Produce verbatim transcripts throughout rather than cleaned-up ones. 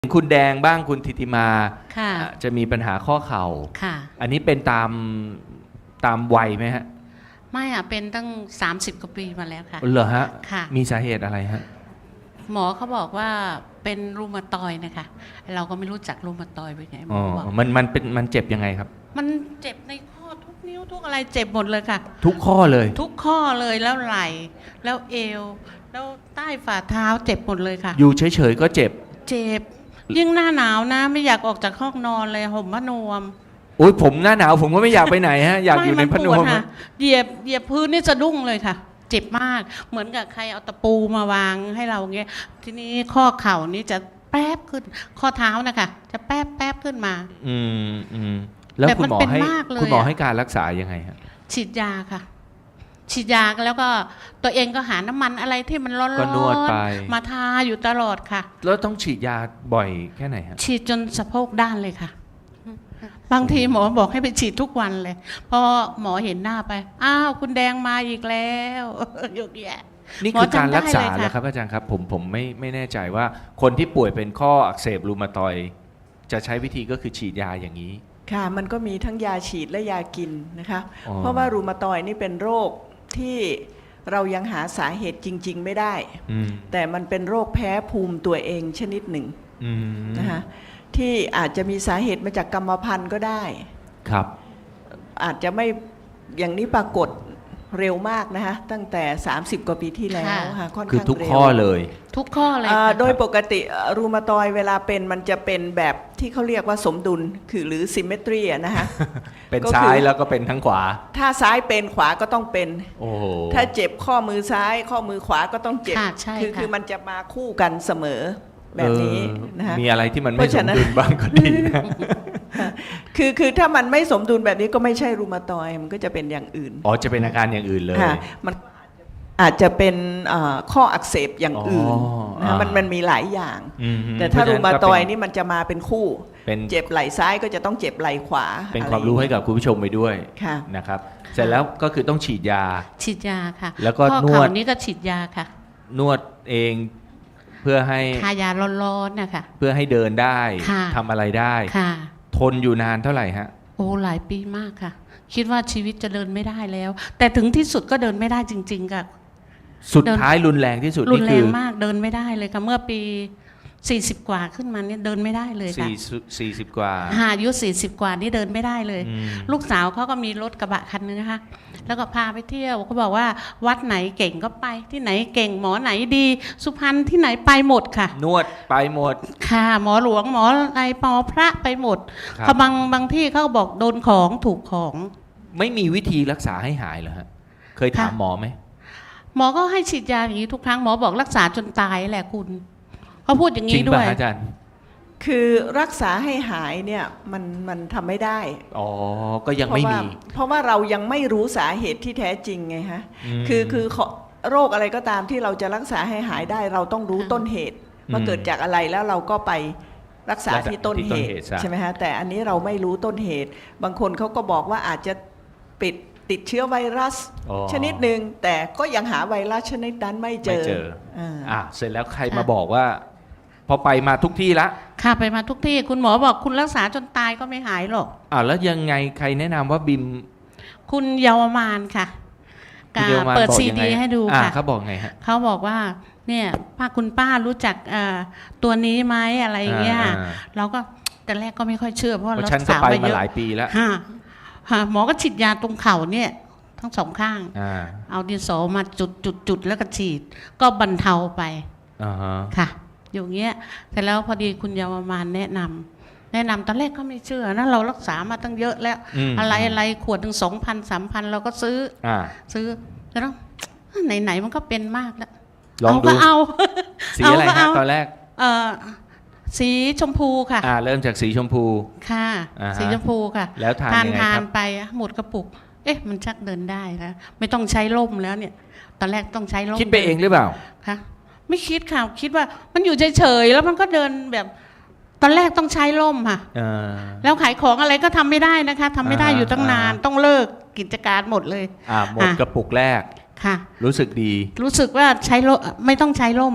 คุณแดงบ้างคุณธิติมาค่ะจะมีปัญหาข้อเข่าค่ะอันนี้เป็นตามตามวัยไหมฮะไม่อะเป็นตั้งสามสิบกว่าปีมาแล้วค่ะเหรอฮะค่ะมีสาเหตุอะไรฮะหมอเขาบอกว่าเป็นรูมาตอยด์นะคะเราก็ไม่รู้จักรูมาตอยด์เป็นไงหมอบอกมันมันเป็นมันเจ็บยังไงครับมันเจ็บในข้อทุกนิ้วทุกอะไรเจ็บหมดเลยค่ะทุกข้อเลยทุกข้อเลยแล้วไหล่แล้วเอวแล้วใต้ฝ่าเท้าเจ็บหมดเลยค่ะอยู่เฉยๆก็เจ็บเจ็บยิ่งหน้าหนาวนะไม่อยากออกจากห้องนอนเลยห่มผ้านวมโอ้ยผมหน้าหนาวผมก็ไม่อยากไปไหนฮะอยากอยู่ในผ้านวมเหยียบเหยียบพื้นนี่สะดุ้งเลยค่ะเจ็บมากเหมือนกับใครเอาตะปูมาวางให้เราเงี้ยทีนี้ข้อเข่านี่จะแป๊บขึ้นข้อเท้านะคะจะแป๊บแป๊บขึ้นมาอืมอืมแล้วคุณหมอให้คุณหมอให้การรักษายังไงฮะฉีดยาค่ะฉีดยาแล้วก็ตัวเองก็หาน้ำมันอะไรที่มันร้อนๆมาทาอยู่ตลอดค่ะแล้วต้องฉีดยาบ่อยแค่ไหนฮะฉีดจนสะโพกด้านเลยค่ะบางทีหมอบอกให้ไปฉีดทุกวันเลยพอหมอเห็นหน้าไปอ้าวคุณแดงมาอีกแล้วยกแย่นี่คือการรักษาแล้วครับอาจารย์ครับผมผมไม่ไม่แน่ใจว่าคนที่ป่วยเป็นข้ออักเสบรูมาตอยด์จะใช้วิธีก็คือฉีดยาอย่างนี้ค่ะมันก็มีทั้งยาฉีดและยากินนะคะเพราะว่ารูมาตอยด์นี่เป็นโรคที่เรายังหาสาเหตุจริงๆไม่ได้แต่มันเป็นโรคแพ้ภูมิตัวเองชนิดหนึ่งนะคะที่อาจจะมีสาเหตุมาจากกรรมพันธุ์ก็ได้ครับอาจจะไม่อย่างนี้ปรากฏเร็วมากนะคะตั้งแต่สามสิบกว่าปีที่แล้วค่ะค่อนข้างเร็วคือทุกข้อเลยทุกข้อเลยโดยปกติรูมาตอยด์เวลาเป็นมันจะเป็นแบบที่เขาเรียกว่าสมดุลคือหรือ symmetry นะคะเป็นซ้ายแล้วก็เป็นทั้งขวาถ้าซ้ายเป็นขวาก็ต้องเป็นโอ้ถ้าเจ็บข้อมือซ้ายข้อมือขวาก็ต้องเจ็บคือคือมันจะมาคู่กันเสมอแบบนี้นะคะมีอะไรที่มันไม่สมดุลบ้างก็ดีนะคือคือถ้ามันไม่สมดุลแบบนี้ก็ไม่ใช่รูมาตอยด์มันก็จะเป็นอย่างอื่นอ๋อจะเป็นอาการอย่างอื่นเลยมันอาจจะเป็นข้ออักเสบอย่างอื่นนะมันมันมีหลายอย่างแต่ถ้ารูมาตอยด์นี่มันจะมาเป็นคู่เจ็บไหล่ซ้ายก็จะต้องเจ็บไหล่ขวาเป็นความรู้ให้กับคุณผู้ชมไปด้วยนะครับเสร็จแล้วก็คือต้องฉีดยาฉีดยาค่ะแล้วก็นวดนี้ก็ฉีดยาค่ะนวดเองเพื่อให้ทายาร้อนๆนะคะเพื่อให้เดินได้ทำอะไรได้ทนอยู่นานเท่าไหร่ฮะโอ้หลายปีมากค่ะคิดว่าชีวิตจะเดินไม่ได้แล้วแต่ถึงที่สุดก็เดินไม่ได้จริงๆค่ะสุดท้ายรุนแรงที่สุดรุนแรงมากเดินไม่ได้เลยค่ะเมื่อปีสี่สิบกว่าขึ้นมาเนี่ยเดินไม่ได้เลยค่ะสี่สิบกว่าอายุสี่สิบกว่านี่เดินไม่ได้เลยลูกสาวเขาก็มีรถกระบะคันนึงนะคะแล้วก็พาไปเที่ยวเขาบอกว่าวัดไหนเก่งก็ไปที่ไหนเก่งหมอไหนดีสุพรรณที่ไหนไปหมดค่ะนวดไปหมดค่ะหมอหลวงหมออะไรหมอพระไปหมดเขาบางบางที่เขาบอกโดนของถูกของไม่มีวิธีรักษาให้หายเหรอฮะเคยถามหมอไหมหมอก็ให้ฉีดยาอย่างนี้ทุกครั้งหมอบอกรักษาจนตายแหละคุณเขาพูดอย่างนี้ด้วยอาจารย์คือรักษาให้หายเนี่ยมันมันทำไม่ได้อ๋อก็ยังไม่มีเพราะว่าเรายังไม่รู้สาเหตุที่แท้จริงไงฮะคือคือโรคอะไรก็ตามที่เราจะรักษาให้หายได้เราต้องรู้ต้นเหตุว่าเกิดจากอะไรแล้วเราก็ไปรักษาที่ต้นเหตุใช่ไหมฮะแต่อันนี้เราไม่รู้ต้นเหตุบางคนเขาก็บอกว่าอาจจะปิดติดเชื้อไวรัสชนิดหนึ่งแต่ก็ยังหาไวรัสชนิดนั้นไม่เจออ่าเสร็จแล้วใครมาบอกว่าพอไปมาทุกที่ละค่ะไปมาทุกที่คุณหมอบอกคุณรักษาจนตายก็ไม่หายหรอกอ่าแล้วยังไงใครแนะนำว่าบิมคุณเยาวมานค่ะเปิดซีดีให้ดูค่ะเขาบอกไงฮะเขาบอกว่าเนี่ยป้าคุณป้ารู้จักตัวนี้ไหมอะไรเงี้ยเราก็แต่แรกก็ไม่ค่อยเชื่อเพราะเราฉันก็ไปมาหลายปีแล้วหมอก็ฉีดยาตรงเข่าเนี่ยทั้งสองข้างเอาดินสอมาจุดจุดจุดแล้วก็ฉีดก็บรรเทาไปค่ะอย่างเงี้ยแต่แล้วพอดีคุณยาวมานแนะนำแนะนำตอนแรกก็ไม่เชื่อนะเรารักษามาตั้งเยอะแล้วอะไรอะไรขวดถึงสองพันสามพันเราก็ซื้อซื้อแล้วไหนๆมันก็เป็นมากแล้วเอาก็เอาสีอะไรฮะตอนแรกเออสีชมพูค่ะอ่าเริ่มจากสีชมพูค่ะสีชมพูค่ะแล้วทานยังไงครับทานไปหมดกระปุกเอ๊ะมันชักเดินได้แล้วไม่ต้องใช้ร่มแล้วเนี่ยตอนแรกต้องใช้ร่มคิดไปเองหรือเปล่าคะไม่คิดค่ะคิดว่ามันอยู่เฉยๆแล้วมันก็เดินแบบตอนแรกต้องใช้ร่มค่ะแล้วขายของอะไรก็ทำไม่ได้นะคะทำไม่ได้อยู่ตั้งนานต้องเลิกกิจการหมดเลยอ่าหมดกระปุกแรกค่ะรู้สึกดีรู้สึกว่าใช้ร่มไม่ต้องใช้ร่มแล้ว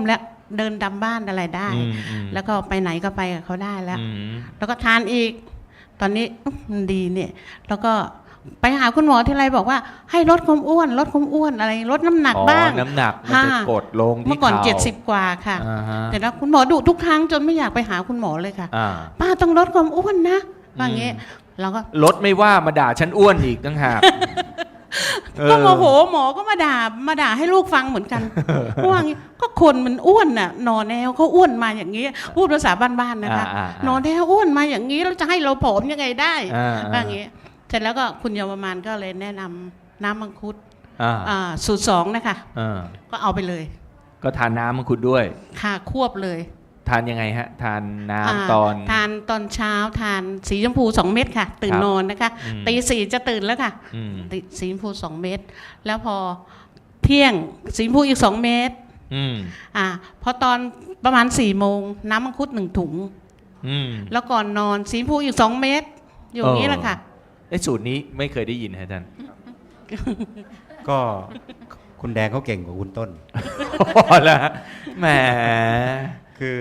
เดินดำบ้านอะไรได้อืมอืมแล้วก็ไปไหนก็ไปกับเขาได้แล้วอืมแล้วก็ทานอีก ตอนนี้อุ๊ยมันดีเนี่ยแล้วก็ไปหาคุณหมอที่ไรบอกว่าให้ลดความอ้วนลดความอ้วนอะไรลดน้ำหนักอ๋อบ้างน้ำหนักมันจะค่ะกดลงที่เมื่อก่อนข่าเจ็ดสิบกว่าค่ะอ่าฮะแต่แล้วคุณหมอดุทุกครั้งจนไม่อยากไปหาคุณหมอเลยค่ะอ่าป้าต้องลดความอ้วนนะว่าอย่างเงี้ยเราก็ลดไม่ว่ามาด่าฉันอ้วนอีกตั้งหากเออก็โมโหหมอก็มาด่ามาด่าให้ลูกฟังเหมือนกันว่าอย่างงี้ก็คนมันอ้วนน่ะนอนแนวเขาอ้วนมาอย่างนี้พูดภาษาบ้านๆนะคะอ่าๆๆนอนแนวอ้วนมาอย่างนี้แล้วจะให้เราผอมยังไงได้อ่าๆว่าอย่างนี้เสร็จแล้วก็คุณเยาวมานก็เลยแนะนำน้ำมังคุดอ่าอ่าสูตรสองนะคะอ่าก็เอาไปเลยก็ทานน้ำมังคุดด้วยค่ะควบเลยทานยังไงฮะ ทานน้อ่าำตอนทานตอนเช้าทานสีชมพูสองเม็ดค่ะ ตื่นครับนอนนะคะอืมตีสี่จะตื่นแล้วค่ะอืมติสีชมพูสองเม็ดแล้วพอเที่ยงสีชมพูอีกสองเม็ดอืมอ่าพอตอนประมาณสี่โมงน้ำมังคุดหนึ่งถุงอืมแล้วก่อนนอนสีชมพูอีกสองเม็ดอยู่อย่างนี้แหละค่ะไอ้สูตรนี้ไม่เคยได้ยินฮะอาจารย์ก็คุณแดงเขาเก่งกว่าคุณต้นพอแล้วแหมคือ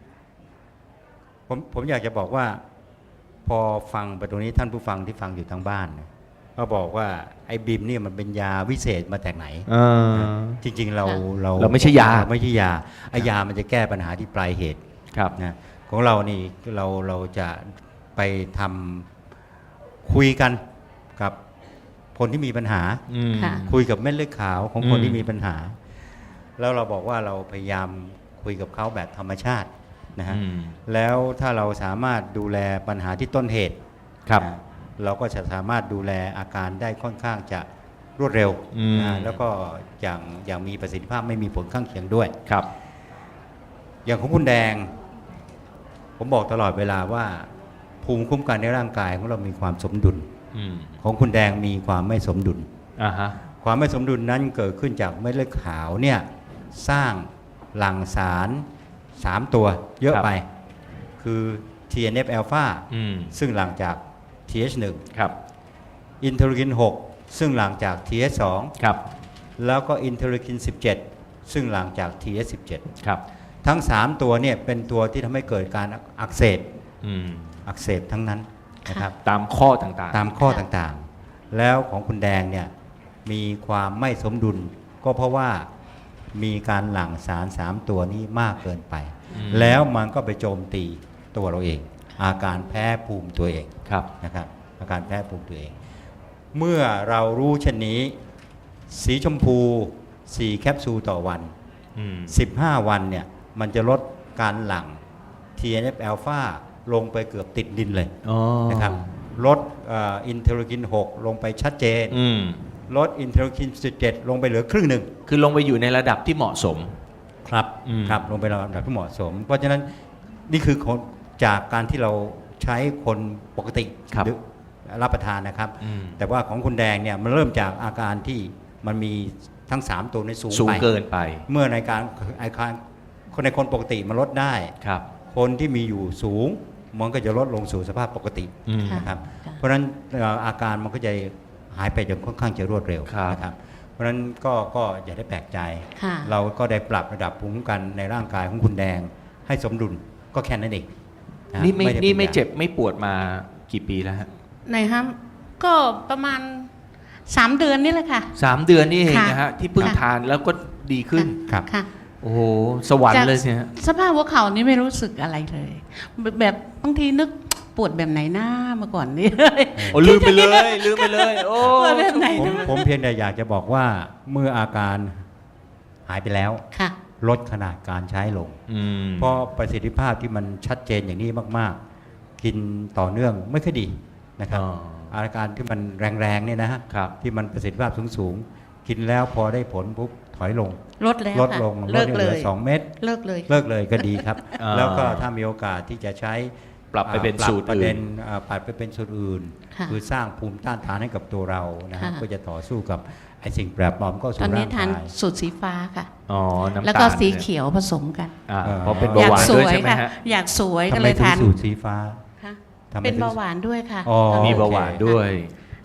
ผมผมอยากจะบอกว่า พอฟังไปตรงนี้ท่านผู้ฟังที่ฟังอยู่ทางบ้านเนี่ยก็บอกว่าไอ้บิมเนี่ยมันเป็นยาวิเศษมาจากไหนเออจริง ๆ เราค่ะเราเราไม่ใช่ยาเรไม่ใช่ยาไอ้ยามันจะแก้ปัญหาที่ปลายเหตุครับนะของเรานี่เราเราจะไปทำคุยกันกับคนที่มีปัญหาอืมค่ะคุยกับเม็ดเลือดขาวของคนอืมที่มีปัญหา แล้วเราบอกว่าเราพยายามคุยกับเขาแบบธรรมชาตินะฮะอืมแล้วถ้าเราสามารถดูแลปัญหาที่ต้นเหตุครับนะเราก็จะสามารถดูแลอาการได้ค่อนข้างจะรวดเร็วอืมนะแล้วก็อย่างอย่างมีประสิทธิภาพไม่มีผลข้างเคียงด้วยครับอย่างของคุณแดง ผมบอกตลอดเวลาว่า ภูมิคุ้มกันในร่างกายของเรามีความสมดุลอืมของคุณแดงมีความไม่สมดุลอ่าฮะความไม่สมดุลนั้นเกิดขึ้นจากเม็ดเลือดขาวเนี่ยสร้างหลั่งสารสามตัวเยอะครับไป คือ ที เอ็น เอฟ อลฟาอืมซึ่งหลั่งจาก ที เอช หนึ่งครับอินเทอร์คิน หก ซึ่งหลั่งจาก ที เอช สองครับแล้วก็อินเทอร์คิน สิบเจ็ด ซึ่งหลั่งจาก ที เอช สิบเจ็ดครับทั้ง สาม ตัวเนี่ยเป็นตัวที่ทำให้เกิดการอักเสบอืมอักเสบทั้งนั้นนะครับตามข้อต่างๆตามข้อต่างๆ แล้วของคุณแดงเนี่ยมีความไม่สมดุล ก็เพราะว่ามีการหลั่งสารสามตัวนี้มากเกินไปอืมแล้วมันก็ไปโจมตีตัวเราเอง อาการแพ้ภูมิตัวเองครับนะครับ อาการแพ้ภูมิตัวเอง เมื่อเรารู้เช่นนี้ สีชมพูสี่แคปซูลต่อวันอืมสิบห้า วันเนี่ยมันจะลดการหลั่ง ที เอ็น เอฟ อลฟา ลงไปเกือบติดดินเลยอ๋อนะครับลดอินเทอร์คิน หก ลงไปชัดเจนอืมลดอินเทอร์คิน สิบเจ็ด ลงไปเหลือครึ่งหนึ่งคือลงไปอยู่ในระดับที่เหมาะสมครับอืมครับลงไประดับที่เหมาะสม เพราะฉะนั้นนี่คือคนจากการที่เราใช้คนปกติครับดื่มรับประทานนะครับอืมแต่ว่าของคุณแดงเนี่ยมันเริ่มจากอาการที่มันมีทั้ง สาม ตัวในสูงสูงไปเกินไปเมื่อในการอาการคนในคนปกติมันลดได้ครับคนที่มีอยู่สูงมันก็จะลดลงสู่สภาพปกติอืมนะครับค่ะเพราะฉะนั้นเอ่ออาการมันก็จะหายไปอย่างค่อนข้างจะรวดเร็วครับนะครับ เพราะฉะนั้นก็ก็อย่าได้แปลกใจค่ะเราก็ได้ปรับระดับภูมิคุ้มกันในร่างกายของคุณแดงให้สมดุลก็แค่นั้นเองะนี่ไม่ด้นี่ป็ไม่ยาเจ็บไม่ปวดมากี่ปีแล้วฮะไหนฮะก็ประมาณสามเดือนนี่แหละค่ะสามเดือนนี่เองค่ะนะฮะ ที่เพิ่งค่ะทานแล้วก็ดีขึ้นครับค่ะโอ้โห สวรรค์เลยเนี่ยสภาพหัวเข่านี่ไม่รู้สึกอะไรเลย แบบแบบบางทีนึกปวดแบบไหนหน้าเมื่อก่อนนี่โอ้ลืมไปเลย ลืมไปเลย โอ้ปวดแบบไหนผมนะผมเพียงแต่อยากจะบอกว่าเมื่ออาการหายไปแล้วค่ะลดขนาดการใช้ลงอืมเพราะประสิทธิภาพที่มันชัดเจนอย่างนี้มาก ๆ กินต่อเนื่องไม่ค่อยดีนะครับอ๋ออาการที่มันแรงๆเนี่ยนะฮะครับที่มันประสิทธิภาพสูงๆกินแล้วพอได้ผลปุ๊บถอยลงลดแล้วลดค่ะลงเลิกดเลหอย สองเม็ดเลิกเลยเลิกเลยก็ดีครับอ่าแล้วก็ถ้ามีโอกาสที่จะใช้ปรับไปเป็นอ่าสูตรปประเด็อื่นนอ่าปรับไปเป็นสูตรอื่นค่ะคือสร้างภูมิต้านทานให้กับตัวเรานะฮะค่ะก็จะต่อสู้กับไอ้สิ่งแปลกปลอมก็ตอสู่นนี้ร่างทานกายสูตรสีฟ้าค่ะอ๋อ น้ำตาลแล้วก็สีนี่ยเขียวผสมกันอ่าเอ่อเพราะเป็นอเบาหวานสด้วยวยใช่ไหมค่ะฮะอยากสวยทำก็ไมเลยถึงทานสูตรสีฟ้าค่ะทำไมเป็นถึงเบาหวานด้วยค่ะอ๋อมีเบาหวานด้วย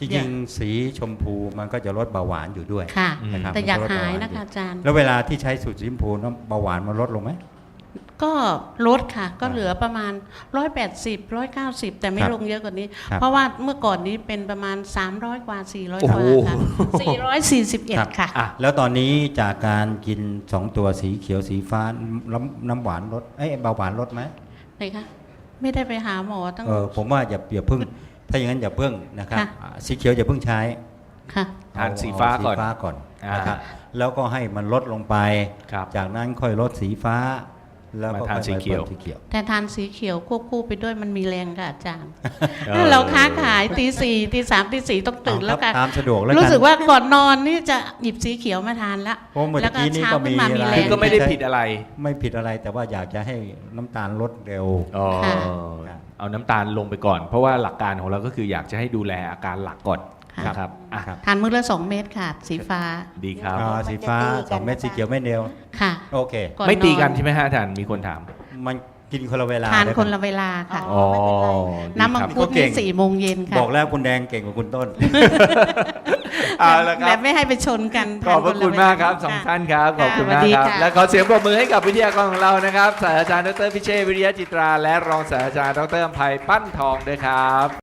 จริงๆสีชมพูมันก็จะลดเบาหวานอยู่ด้วยค่ะนะครับแต่อยากมันก็ลดหายเบวนะคะอาจารย์แล้วเวลาที่ใช้สูตรสีชมพูน้ำเบาหวานมันลดลงไหมก็ลดค่ะ ก็อ่าเหลือประมาณร้อยแปดสิบร้อยเก้าสิบแต่ไม่ครับลงเยอะกว่านี้ครับเพราะว่าเมื่อก่อนนี้เป็นประมาณสามร้อยกว่าสี่ร้อยโอ้กโหว่าค่ะสี่ร้อยสี่สิบเอ็ดครับค่ะอ่ะแล้วตอนนี้จากการกินสองตัวสีเขียวสีฟ้าน้ำน้ำหวานลดเอ้ยเบาหวานลดไหมไหนคะไม่ได้ไปหาหมอตั้งเออผมว่าอย่าอย่าเพิ่ง ถ้าอย่างนั้นอย่าเพิ่งนะครับค่ะอ่าสีเขียวอย่าเพิ่งใช้ค่ะทานสีฟ้าก่อนเสีฟ้าก่อนอ่านนะครับแล้วก็ให้มันลดลงไปครับจากนั้นค่อยลดสีฟ้า แล้วก็มาทานค่อยสีเขียวพิ่มสีเขียวแต่ทานสีเขียวควบคู่ไปด้วยมันมีแรงค่ะอาจารย์ออถ้าเราค้าขายตีสี่ตีสามตีสี่ต้องตื่นแล้วกันตามสะดวกแล้วกันรู้สึกว่าก่อนนอนนี่จะหยิบสีเขียวมาทานละเพราะเมื่อแล้วก็กี้นี้เช้าก็ขึ้มีนมามีอะไรแรคือง ก็ไม่ได้ผิดอะไรไม่ผิดอะไรแต่ว่าอยากจะให้น้ำตาลลดเร็วอ๋อค่ะเอาน้ำตาลลงไปก่อน เพราะว่าหลักการของเราก็คืออยากจะให้ดูแลอาการหลักก่อนค่ะนะครับอ่ะครับทานมื้อละสองเม็ดค่ะ สีฟ้าดีครับอ่าสีฟ้ามันจะตีกันสองเม็ดนะคะสีเขียวเม็ดเดียวค่ะโอเคก่อนไม่ตีกันนอนใช่ไหมฮะอาจารย์มีคนถามมันกินคนละเวลาทานได้ปคนละเวลาค่ะอ๋อไม่เป็นไรน้ำมังดีคุรัดบเก่นี่งสี่โมงเย็นค่ะบอกแล้วคุณแดงเก่งกว่าคุณต้นเอาละคแบรับบไม่ให้ไปชนกันขอบพระคุณมากครับสองท่านครับขอบคุณมากครับค่ะและขอเสียงปรบมือให้กับวิทยากรของเรานะครับศาสตราจารย์ดรพิเชษฐ์วิริยะจิตราและรองศาสตราจารย์ดรอภัยปั้นทองด้วยครับ